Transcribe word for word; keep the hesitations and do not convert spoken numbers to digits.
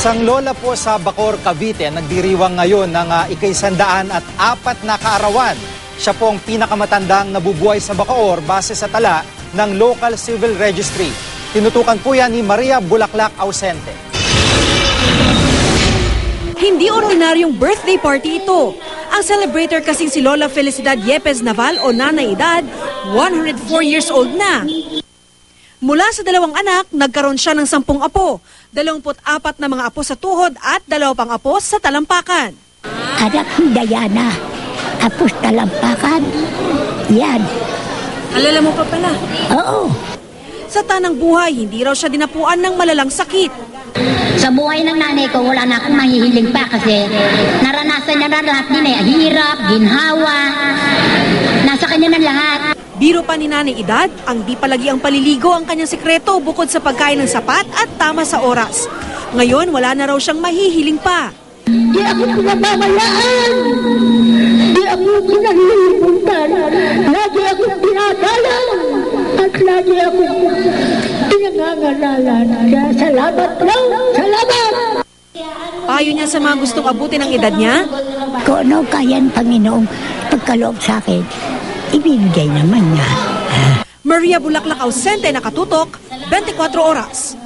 Isang lola po sa Bacoor, Cavite nagdiriwang ngayon ng uh, ikaisandaan at apat na kaarawan. Siya po ang pinakamatandang nabubuhay sa Bacoor base sa tala ng Local Civil Registry. Tinutukan po yan ni Maria Bulaklak Ausente. Hindi ordinaryong birthday party ito. Ang celebrator kasing si Lola Felicidad Yepes Naval o Nanay Edad, one hundred four years old na. Mula sa dalawang anak, nagkaroon siya ng sampung apo, dalawamput apat na mga apo sa tuhod at dalawa pang apo sa talampakan. Anak ni Diana, apo sa talampakan, yan. Alala mo pa pala? Oo. Sa tanang buhay, hindi raw siya dinapuan ng malalang sakit. Sa buhay ng nanay ko, wala na akong mahihiling pa kasi naranasan niya na lahat din eh. Hirap, ginhawa, nasa kanya na lahat. Biro pa ni Nanay Edad, ang di palagi ang paliligo ang kanyang sikreto bukod sa pagkain ng sapat at tama sa oras. Ngayon, wala na raw siyang mahihiling pa. Di ako pinamamayaan. Di ako pinahihilipuntan. Lagi ako pinadalan. At lagi ako pinangangalalan. Kaya salamat lang. Salamat! Payo niya sa mga gustong abutin ng edad niya? Kung ano kaya ng Panginoong pagkaloob sa akin, ibibigay naman niya. Maria Bulaklak Ausente, nakatutok, twenty-four oras.